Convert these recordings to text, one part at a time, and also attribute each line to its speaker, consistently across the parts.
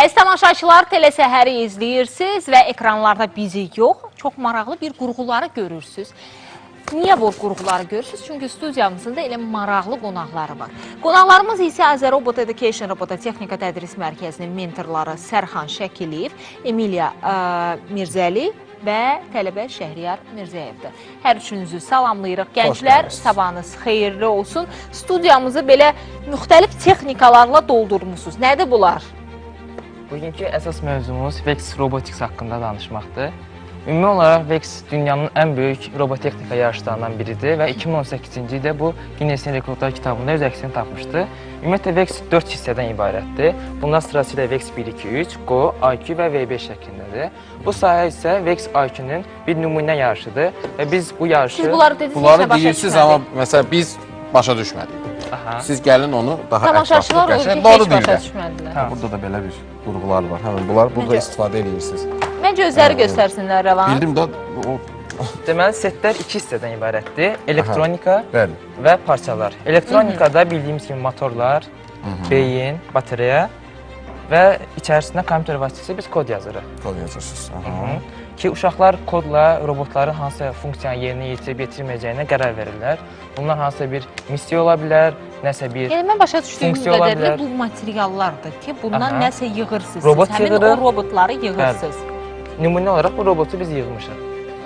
Speaker 1: Əziz tamaşaçılar, telesəhəri izləyirsiniz və ekranlarda bizi yox, çox maraqlı bir qurğuları görürsünüz. Niyə bu qurğuları görürsünüz? Çünki studiyamızın da elə maraqlı qonaqları var. Qonaqlarımız isə Azərobot Education Robototexnika Tədris Mərkəzinin mentorları Sərxan Şəkiliyev, Emiliya Mirzəli və tələbə Şəhriyar Mirzəyevdir. Hər üçünüzü salamlayırıq. Gənclər, sabahınız xeyirli olsun. Studiyamızı belə müxtəlif texnikalarla doldurmuşsunuz. Nədir bunlar?
Speaker 2: Bugünkü əsas mövzumuz Vex Robotics haqqında danışmaqdır. Ümumi olaraq Vex dünyanın ən böyük robotexnika yarışlarından biridir və 2018-ci ildə bu Guinness-in Rekordlar kitabında öz əksini tapmışdı. Ümumiyyətlə Vex 4 hissədən ibarətdir. Bunlar sırasıyla Vex 1-2-3, Go, IQ və V5 şəklindədir. Bu sahə isə Vex IQ-nun bir nümunə yarışıdır və biz bu yarışı...
Speaker 1: Siz bunları dediniz,
Speaker 3: bunları deyirsiniz, amma məsələn biz başa düşmədik. Siz gəlin onu daha
Speaker 1: tamaşaçılar olur ki, heç başa düşmədilər.
Speaker 3: Burada da belə bir qurğular var. Həmin bunlar burada istifadə edirsiniz.
Speaker 1: Məncə özləri göstərsinlər, Rəvan.
Speaker 3: Bildim də
Speaker 2: deməli, setlər 2 hissədən ibarətdir. Elektronika
Speaker 3: bəli.
Speaker 2: Və parçalar. Elektronikada bildiyimiz kimi motorlar, beyin, batereya və içərisində kompüter vasitəsilə biz kod yazırıq.
Speaker 3: Kod yazırsınız.
Speaker 2: Ki, uşaqlar kodla robotların hansı funksiyanı yerinə yetirib yetirməyəcəyinə qərar verirlər. Bunlar hansısa bir missiya ola bilər, nəsə bir
Speaker 1: Yəni, mən başa düşdüyüm
Speaker 2: funksiya ola
Speaker 1: qədərlə
Speaker 2: bilər.
Speaker 1: bu materiallardır ki, bundan nəsə yığırsınız.
Speaker 2: Robot
Speaker 1: Siz həmin
Speaker 2: yığırıq.
Speaker 1: o robotları yığırsınız.
Speaker 2: Nümunə olaraq bu robotu biz yığmışıq.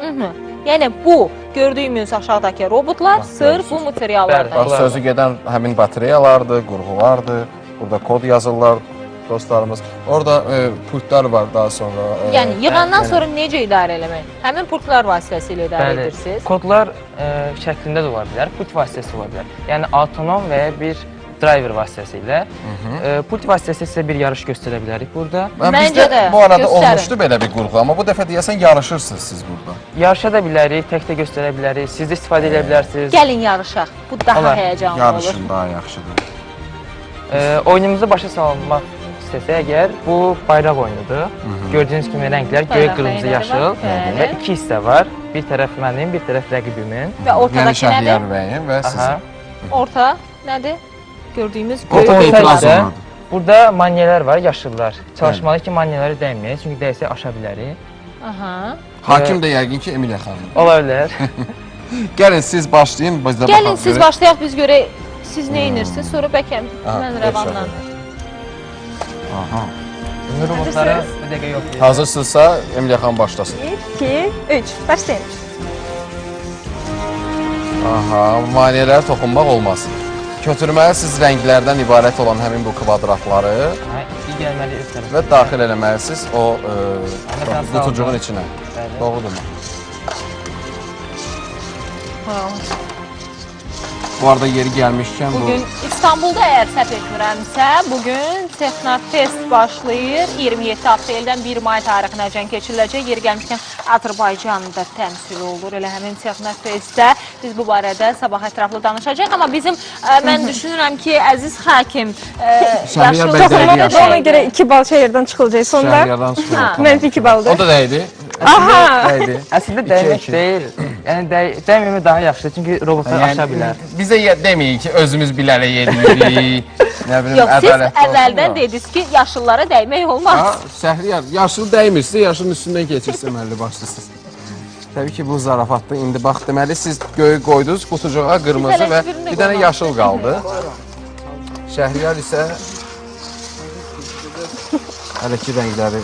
Speaker 1: Yəni, bu gördüyümüz aşağıdakı robotlar sırf bu materiallardan.
Speaker 3: Bax, sözü gedən həmin batareyalardır, qurğulardır. Burada kod yazırlar dostlarımız. Orada pultlar var daha sonra.
Speaker 1: Yəni, yığandan sonra necə idarə eləmək? Həmin pultlar vasitəsilə idarə edirsiniz.
Speaker 2: Kodlar şəklində də ola bilər, pult vasitəsi ola bilər. Yəni, autonom və ya bir driver vasitəsilə. Pult vasitəsi isə bir yarış göstərə bilərik burada.
Speaker 1: Məncə də
Speaker 3: bu arada olmuşdu belə bir qurğu, amma bu dəfə deyəsən yarışırsınız siz burada.
Speaker 2: Yarışa da bilərik, tək də göstərə bilərik, siz də istifadə edə bilərsiniz.
Speaker 1: Gəlin yarışaq, bu daha həyəcanlı olur.
Speaker 3: Yarışın daha yaxşıdır.
Speaker 2: Oyunumuzu başa salmaq istəsə əgər, bu bayraq oyunudur. Gördüyünüz kimi rənglər göy, qırmızı, yaşıl və 2 hissə var. Bir tərəf mənim, bir tərəf rəqibimin.
Speaker 1: Və ortadakı nədir?
Speaker 3: Və sizin.
Speaker 1: Orta nədir? Gördüyümüz
Speaker 3: göy
Speaker 2: qırmızı. Burada manyelər var, yaşıllar. Çalışmalı ki, manyeləri dəyməyək, çünki dəysə aşa bilərik.
Speaker 3: Hakim də yəqin ki, Emiliya xanım.
Speaker 2: Ola bilər.
Speaker 3: Gəlin siz başlayın, biz də baxaq.
Speaker 1: Gəlin siz başlayaq, biz görək siz nə inirsiniz, sonra bəlkə mən Rəvandan.
Speaker 2: Ünlü robotları bir dəqiqə yoxlayın.
Speaker 3: Hazırsınızsa Emiliya xanım başlasın.
Speaker 1: 2, 3, başlayın.
Speaker 3: Maniyələrə toxunmaq olmaz. Kötürməlisiniz rənglərdən ibarət olan həmin bu kvadratları və daxil eləməlisiniz o qutucuğun içinə. Doğrudurmu? Bu arada yeri gəlmişkən bu...
Speaker 1: Bugün İstanbulda əgər səhv etmirəmsə, bugün Texnofest başlayır. 27 apreldən 1 may tarixinəcən keçiriləcək. Yeri gəlmişkən Azərbaycanda təmsil olur. Elə həmin Texnofestdə biz bu barədə sabah ətraflı danışacaq. Amma bizim, mən düşünürəm ki, əziz hakim, yaşlı
Speaker 4: ona görə 2 bal şəhərdən çıxılacaq. Sonra
Speaker 3: Şəhərlərdən çıxılacaq.
Speaker 4: mənfi 2 baldır.
Speaker 3: O da dəydi.
Speaker 2: Əslində dəymək deyil. Yəni dəyməmək daha yaxşıdır, çünki robotlar aşa bilər.
Speaker 3: Bizə deməyin ki, özümüz bilərək yedirik.
Speaker 1: Yox, siz əvvəldən dediniz ki, yaşıllara dəymək olmaz.
Speaker 3: Səhriyar, yaşıl dəymirsə, yaşılın üstündən keçirsə əməlli başlısınız. Təbii ki, bu zarafatdır. İndi bax, deməli, siz göyü qoydunuz, qutucuğa qırmızı və bir dənə yaşıl qaldı. Şəhriyar isə hələ ki, rəngləri...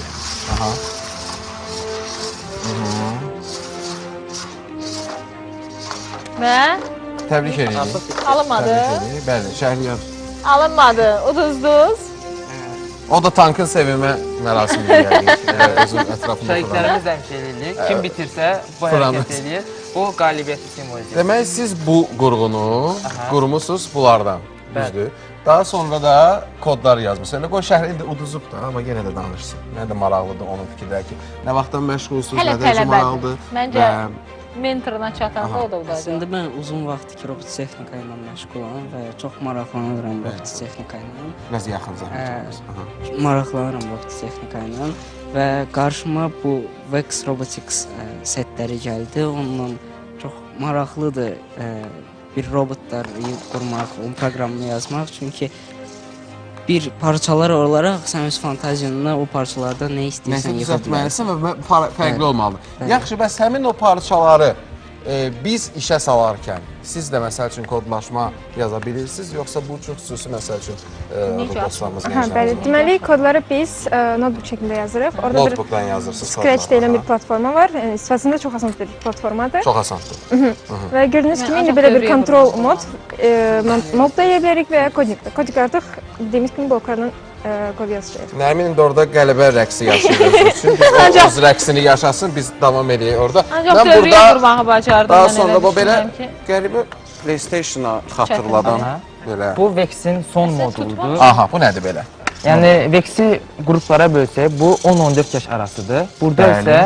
Speaker 1: Və?
Speaker 3: Təbrik edirik.
Speaker 1: Alınmadı.
Speaker 3: Bəli, Şəhriyar.
Speaker 1: Alınmadı, uduzduz.
Speaker 3: O da tankın sevimə mərasimidir yəqin. Özün ətrafında
Speaker 2: Şəhidlərimiz də həmşə edirik. Kim bitirsə, bu hərəkət edir. Bu qalibiyyəti simvolizir.
Speaker 3: Demək, siz bu qurğunu qurmusunuz bunlardan. Düzdür. Daha sonra da kodlar yazmışsınız. Elə qoy şəhər indi uduzub da, amma yenə də danışsın. Nə də maraqlıdır onun fikirləri ki, nə vaxtdan məşğulsunuz, nə də maraqlıdır.
Speaker 1: Məncə mentoruna çatanda o da udacaq.
Speaker 5: Əslində mən uzun vaxtdır ki, robototexnika ilə məşğulam və çox maraqlanıram robototexnika ilə.
Speaker 3: Biraz yaxın zəhmət.
Speaker 5: Maraqlanıram robototexnika ilə və qarşıma bu Vex Robotics setləri gəldi. Onunla çox maraqlıdır bir robotları qurmaq, onun proqramını yazmaq. Çünki bir parçalar olaraq sən öz fantaziyana o parçalarda nə
Speaker 3: Nəsə
Speaker 5: istəyirsən yıxa bilərsən.
Speaker 3: düzəltməlisən və fərqli olmalıdır. Yaxşı, bəs həmin o parçaları biz işə salarkən siz də məsəl üçün kodlaşma yaza bilirsiniz, yoxsa bu çox xüsusi məsəl üçün robotlarımız
Speaker 4: Bəli, deməli kodları biz notebook şəklində yazırıq. Orada bir
Speaker 3: notebookdan yazırsınız.
Speaker 4: Scratch deyilən bir platforma var. Yəni istifadəsində çox asan bir platformadır.
Speaker 3: Çox asandır.
Speaker 4: Və gördüyünüz kimi indi
Speaker 1: ancaq
Speaker 4: belə bir
Speaker 1: dövrəyə
Speaker 4: control mod da edə bilərik və ya koding də. Koding artıq dediyimiz kimi bloklardan kod yazacağıq.
Speaker 3: Nəmin indi orada qələbə rəqsi yaşayırız üçün, biz o öz rəqsini yaşasın, biz davam edək orada.
Speaker 1: Ancaq dövrəyə vurmağı bacardım.
Speaker 3: Daha sonra bu belə qəribə PlayStation-a xatırladan belə.
Speaker 2: Bu Vex-in son moduludur.
Speaker 3: Aha, bu nədir belə?
Speaker 2: Yəni Vex-i qruplara bölsək, bu 10-14 yaş arasıdır. Burada
Speaker 3: Bəli.
Speaker 2: isə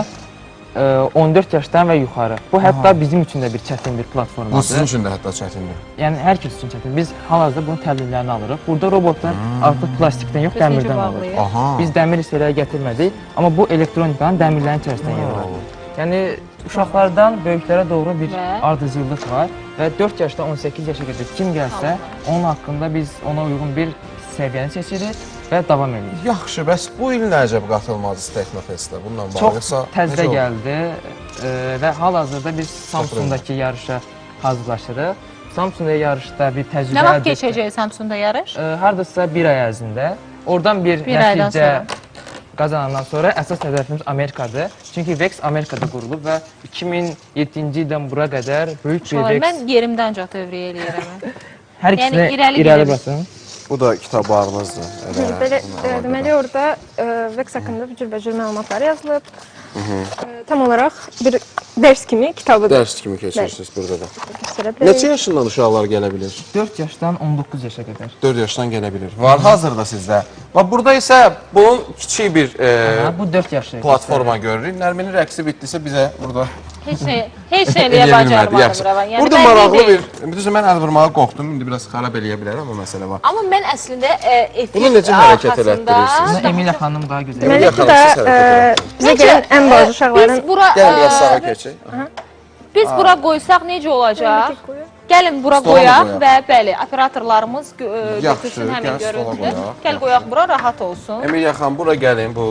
Speaker 2: 14 yaşdan və yuxarı. Bu hətta bizim üçün də bir çətin bir platformadır.
Speaker 3: Bu sizin üçün də hətta çətindir.
Speaker 2: Yəni hər kəs üçün çətin. Biz hal-hazırda bunun təlimlərini alırıq. Burada robotlar artıq plastikdən yox, dəmirdən alır.
Speaker 3: Aha.
Speaker 2: Biz dəmir hissələrə gətirmədik, amma bu elektronikanın dəmirlərin içərisində yer alır. Yəni uşaqlardan böyüklərə doğru bir ardıcıllıq var və 4 yaşdan 18 yaşa qədər kim gəlsə, onun haqqında biz ona uyğun bir səviyyəni seçirik və davam edirik.
Speaker 3: Yaxşı, bəs bu il nə əcəb qatılmadınız Texnofestə? Bununla bağlısa
Speaker 2: Çox təzə gəldi və hal-hazırda biz Samsungdakı yarışa hazırlaşırıq. Samsungda yarışda bir təcrübə
Speaker 1: Nə vaxt keçəcək Samsungda yarış?
Speaker 2: Hardasa bir ay ərzində. Oradan bir
Speaker 1: aydan
Speaker 2: nəticə
Speaker 1: sonra.
Speaker 2: qazanandan sonra əsas hədəfimiz Amerikadır. Çünki Vex Amerikada qurulub və 2007-ci ildən bura qədər böyük bir Vex.
Speaker 1: Mən yerimdə ancaq dövrəyə eləyirəm.
Speaker 2: Hər
Speaker 1: Yəni
Speaker 2: ikisinə
Speaker 1: irəli
Speaker 2: irəli
Speaker 1: gedirik.
Speaker 2: basın.
Speaker 3: Bu da kitablarınızdır.
Speaker 4: Belə deməli orada Vex haqqında cürbəcür məlumatlar yazılıb. Tam olaraq bir dərs kimi kitabıdır.
Speaker 3: Dərs kimi keçirsiniz burada da.
Speaker 4: Göstərə bilərik.
Speaker 3: Neçə yaşından uşaqlar gələ bilir?
Speaker 2: 4 yaşdan 19 yaşa qədər.
Speaker 3: 4 yaşdan gələ bilir. Var hazırda sizdə. Bax burada isə bunun kiçik bir
Speaker 2: Bu 4 yaşlı.
Speaker 3: platforma görürük. Nərminin rəqsi bitdisə bizə burada
Speaker 1: Heç nə eləyə bacarmadım Rəvan. Yəni
Speaker 3: burada
Speaker 1: mən
Speaker 3: maraqlı
Speaker 1: deyim.
Speaker 3: düzdür, mən əl vurmağa qorxdum. İndi biraz xarab eləyə bilər amma məsələ var.
Speaker 1: Amma mən əslində
Speaker 3: Bunu necə hərəkət elətdirirsiniz?
Speaker 2: Bunu Emilia xanım daha gözəl.
Speaker 3: Emilia
Speaker 4: Deməli bu
Speaker 3: xanım,
Speaker 4: da
Speaker 3: siz hərəkət
Speaker 4: bizə gələn ən balaca uşaqların
Speaker 1: Biz bura
Speaker 3: Gəlin biraz sağa keçək.
Speaker 1: biz bura qoysaq necə olacaq? Gəlin bura
Speaker 3: Stola
Speaker 1: qoyaq
Speaker 3: qoyaq.
Speaker 1: və bəli, operatorlarımız
Speaker 3: Yaxşı,
Speaker 1: götürsün həmin
Speaker 3: gəl stola
Speaker 1: görüntünü.
Speaker 3: qoyaq.
Speaker 1: Gəl qoyaq bura, rahat olsun.
Speaker 3: Emilia xanım, bura gəlin bu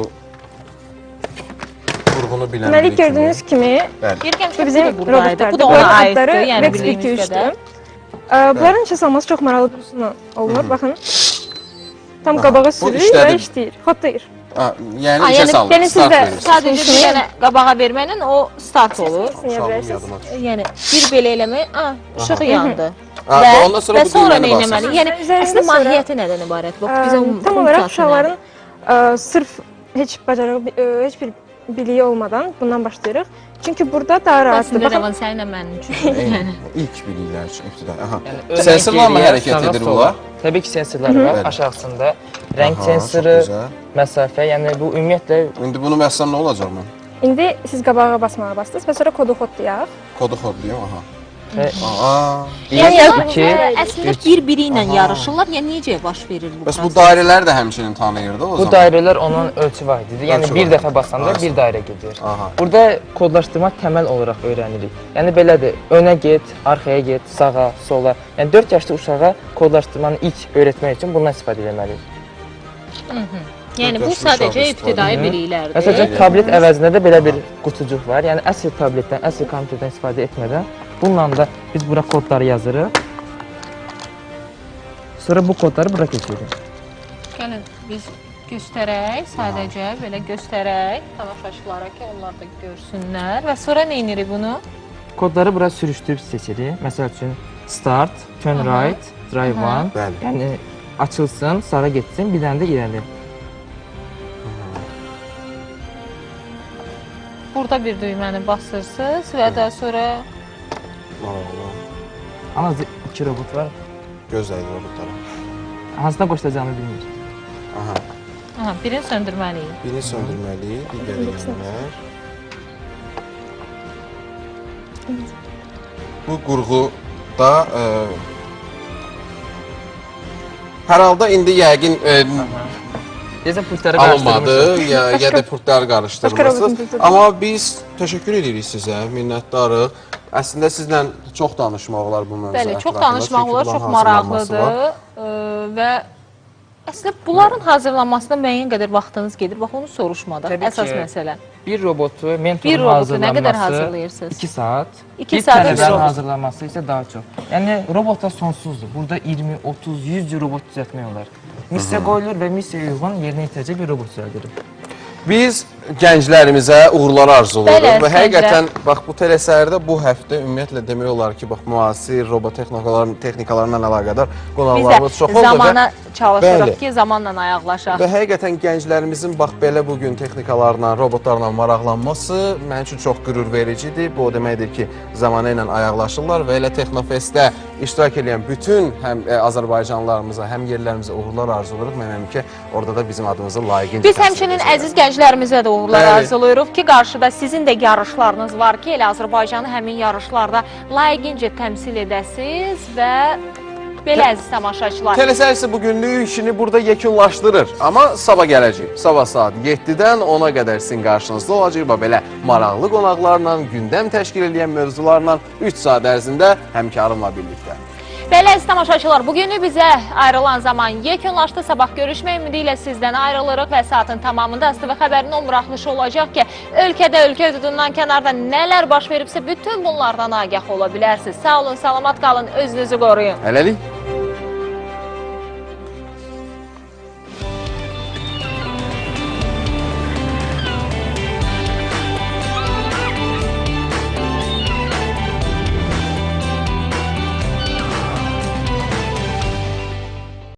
Speaker 3: qurğunu bilən
Speaker 4: deməli
Speaker 3: biri kimi.
Speaker 4: gördüyünüz kimi
Speaker 1: Deyirəm ki,
Speaker 4: bu bizim
Speaker 1: bu buradaydı.
Speaker 4: robotlardır.
Speaker 1: Bu da ona aiddir,
Speaker 4: Robotları
Speaker 1: yəni
Speaker 4: Vex
Speaker 1: bildiyimiz
Speaker 4: 2-3-dür.
Speaker 1: qədər.
Speaker 4: Bunların işə salması çox maraqlı bir üsulla olunur. Baxın. Tam qabağa sürür və
Speaker 3: işlədir.
Speaker 4: işləyir. Xodlayır.
Speaker 3: Yəni
Speaker 1: Ha,
Speaker 3: işə
Speaker 1: yəni
Speaker 3: salın.
Speaker 4: yəni
Speaker 3: start
Speaker 4: sizdə-
Speaker 3: verirsiniz.
Speaker 1: Sadəcə bir dənə qabağa verməklə o start olur.
Speaker 4: Sınıya
Speaker 3: Uşağım
Speaker 4: bilərsiniz.
Speaker 3: yadıma düşdü.
Speaker 1: Yəni bir belə eləmək, işıq yandı.
Speaker 3: Ondan sonra
Speaker 1: və
Speaker 3: bu
Speaker 1: sonra
Speaker 3: düyməni
Speaker 1: nə etməli?
Speaker 3: basırsınız.
Speaker 1: Yəni
Speaker 4: Üzərində
Speaker 1: əslində
Speaker 4: sonra-
Speaker 1: mahiyyəti nədən ibarət? Bax bizə
Speaker 4: Tam olaraq uşaqların sırf heç bacarığı, heç bir biliyi olmadan bundan başlayırıq. Çünki burada daha rahatdır.
Speaker 1: Əslində
Speaker 4: Baxın,
Speaker 1: Rəvan səninlə mənim üçün.
Speaker 3: Eyni. İlk biliklər üçün ibtidai. Aha.
Speaker 2: Yəni,
Speaker 3: Sensorlarla
Speaker 2: geriyə,
Speaker 3: hərəkət
Speaker 2: sağa,
Speaker 3: edir
Speaker 2: sola.
Speaker 3: bunlar.
Speaker 2: Təbii ki, sensorlar var.
Speaker 3: Bəli.
Speaker 2: Aşağısında rəng
Speaker 3: Aha,
Speaker 2: sensoru,
Speaker 3: çox gözəl.
Speaker 2: məsafə, yəni bu ümumiyyətlə
Speaker 3: İndi bunu məssam nə olacaq mən?
Speaker 4: indi siz qabağa basmağa bastınız və sonra kodu kodlayaq.
Speaker 3: Kodu kodlayım, aha.
Speaker 2: və
Speaker 3: Aa.
Speaker 1: Yəni
Speaker 2: bir, iki,
Speaker 1: əslində bir-biri ilə yarışırlar. Yəni necə baş verir bu
Speaker 3: Bəs bu
Speaker 1: proses?
Speaker 3: dairələr də həmçinin tanıyırdı o
Speaker 2: bu
Speaker 3: zaman.
Speaker 2: dairələr onun ölçü vahididir. Yəni
Speaker 3: Ölçü
Speaker 2: bir
Speaker 3: vahidi.
Speaker 2: dəfə basanda bir dairə gedir.
Speaker 3: Aha.
Speaker 2: Burada kodlaşdırma təməl olaraq öyrənirik. Yəni belədir, önə get, arxaya get, sağa, sola. Yəni 4 yaşlı uşağa kodlaşdırmanı ilk öyrətmək üçün bundan istifadə etməliyik.
Speaker 1: Yəni bu
Speaker 3: Yaşlı
Speaker 1: sadəcə
Speaker 3: uşaq
Speaker 1: ibtidai
Speaker 2: Məsələn,
Speaker 1: biliklərdir.
Speaker 2: tablet əvəzində də belə bir qutucuq var. Yəni əsl tabletdən, əsl kompüterdən istifadə etmədən bununla da biz bura kodları yazırıq. Sonra bu kodları bura keçiririk.
Speaker 1: Gəlin biz göstərək, sadəcə belə göstərək tamaşaçılara ki, onlar da görsünlər və sonra nə edirik bunu?
Speaker 2: Kodları bura sürüşdürüb seçirik. Məsəl üçün start, turn right, drive one.
Speaker 3: Bəli.
Speaker 2: Yəni açılsın, sağa getsin, bir dənə də irəli.
Speaker 1: Burada bir düyməni basırsınız və daha sonra
Speaker 3: Maraqlı.
Speaker 2: Amma 2 robot var.
Speaker 3: Gözləyir robotlara.
Speaker 2: Hansına qoşulacağını bilmir.
Speaker 3: Aha.
Speaker 1: birini söndürməliyik.
Speaker 3: Birini söndürməli, digəri yanlar. Bu qurğuda hər halda indi yəqin
Speaker 2: Deyəsən pultları
Speaker 3: alınmadı,
Speaker 2: qarışdırmışıq.
Speaker 3: ya da pultları
Speaker 4: Başqa
Speaker 3: qarışdırmırsınız.
Speaker 4: robotun
Speaker 3: Amma biz təşəkkür edirik sizə, minnətdarıq. Əslində sizlə çox danışmaq olar bu mövzu
Speaker 1: Bəli, çox
Speaker 3: ətrafında,
Speaker 1: danışmaq
Speaker 3: çünki
Speaker 1: olar,
Speaker 3: bunların
Speaker 1: çox
Speaker 3: hazırlanması
Speaker 1: maraqlıdır
Speaker 3: var.
Speaker 1: və Əslində bunların hazırlanmasına müəyyən qədər vaxtınız gedir. Bax onu soruşmadan.
Speaker 2: Təbii
Speaker 1: Əsas
Speaker 2: ki.
Speaker 1: məsələ.
Speaker 2: Bir robotu, mentorun
Speaker 1: Bir robotu nə qədər
Speaker 2: hazırlanması
Speaker 1: hazırlayırsınız?
Speaker 2: 2 saat.
Speaker 1: 2
Speaker 2: Bir
Speaker 1: saat bir
Speaker 2: tələbənin
Speaker 1: robot.
Speaker 2: hazırlanması isə daha çox. Yəni robotlar sonsuzdur. Burada 20, 30, 100 cür robot düzəltmək olar. Missiya qoyulur və missiyaya uyğun yerinə yetirəcək bir robot düzəldirik.
Speaker 3: Biz gənclərimizə uğurlar arzuluruq
Speaker 1: Bəli,
Speaker 3: və
Speaker 1: gənclər.
Speaker 3: həqiqətən bax bu telesərdə bu həftə ümumiyyətlə demək olar ki, bax müasir robot texnikalarla əlaqədar
Speaker 1: Biz
Speaker 3: qonaqlarımız
Speaker 1: də
Speaker 3: çox oldu
Speaker 1: zamana çalışırıq
Speaker 3: Bəli.
Speaker 1: ki, zamanla ayaqlaşaq.
Speaker 3: və həqiqətən gənclərimizin bax belə bu gün texnikalarla, robotlarla maraqlanması mənim üçün çox qürur vericidir. Bu o deməkdir ki, zamanı ilə ayaqlaşırlar və elə Texnofestdə iştirak edən bütün həm Azərbaycanlılarımıza, həm yerlərimizə uğurlar arzuluruq. Mənim ki, orada da bizim adımızı layiqincə
Speaker 1: Biz həmçinin əziz gənclərimizə də uğurlar
Speaker 3: Bəli.
Speaker 1: arzulayırıq ki, qarşıda sizin də yarışlarınız var ki, elə Azərbaycanı həmin yarışlarda layiqincə təmsil edəsiniz və belə əziz tamaşaçılar.
Speaker 3: Telesər isə bugünlük işini burada yekunlaşdırır. Amma sabah gələcək. Sabah saat 7-dən 10-a qədər sizin qarşınızda olacaq. Belə maraqlı qonaqlarla, gündəm təşkil edən mövzularla 3 saat ərzində həmkarımla birlikdə.
Speaker 1: Belə əziz tamaşaçılar, bugünü bizə ayrılan zaman yekunlaşdı. Sabah görüşmək ümidi ilə sizdən ayrılırıq və saatın tamamında ASTV xəbərinin o buraxılışı olacaq ki, ölkədə, ölkə hüdudundan kənarda nələr baş veribsə, bütün bunlardan agah ola bilərsiniz. Sağ olun, salamat qalın, özünüzü qoruyun.
Speaker 3: Hələlik.